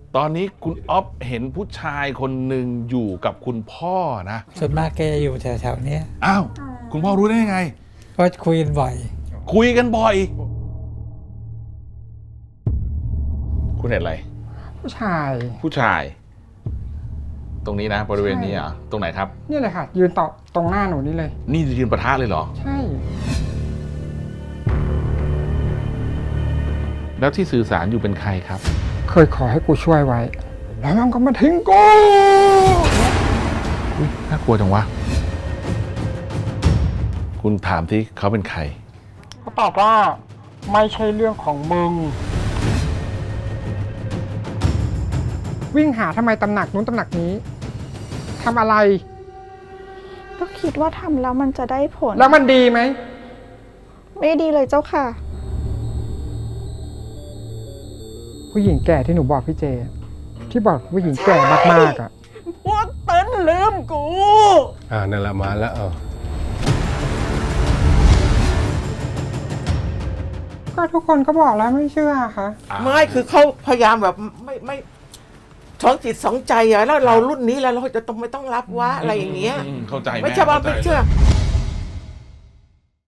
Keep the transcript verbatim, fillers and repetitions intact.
ตอนนี้คุณอ๊อฟเห็นผู้ชายคนหนึ่งอยู่กับคุณพ่อนะส่วนมากแกอยู่แถวๆนี้อ้าวคุณพ่อรู้ได้ยังไงก็คุยกันบ่อยคุยกันบ่อย คุณเห็นอะไรผู้ชายผู้ชาย ตรงนี้นะบริเวณนี้เหรอ่ะตรงไหนครับนี่เลยค่ะ ยืนต่อตรงหน้าหนูนี่เลยนี่ยืนประทะเลยเหรอใช่แล้วที่สื่อสารอยู่เป็นใครครับเคยขอให้กูช่วยไว้ แล้วมันก็มาทิ้งกูอุ๊ยน่ากลัวจังวะ คุณถามที่เขาเป็นใครเขาตอบว่าไม่ใช่เรื่องของมึง วิ่งหาทำไมตำหนักนู้นตำหนักนี้ทำอะไรก็คิดว่าทำแล้วมันจะได้ผลแล้วมันดีไหมไม่ดีเลยเจ้าค่ะผู้หญิงแก่ที่หนูบอกพี่เจ ที่บอกผู้หญิงแก่มากๆอ่ะพวกเติ้นลืมกูอ่านั่นละมาแล้วเอาก็ทุกคนก็บอกแล้วไม่เชื่อค่ะไม่คือเขาพยายามแบบไม่ไม่สองจิตสองใจอะแล้วเรารุ่นนี้แล้วเราจะต้องไม่ต้องรับวะอะไรอย่างเงี้ยอืมเข้าใจแม่ไม่ใช่ว่าเข้าใจไม่เชื่อ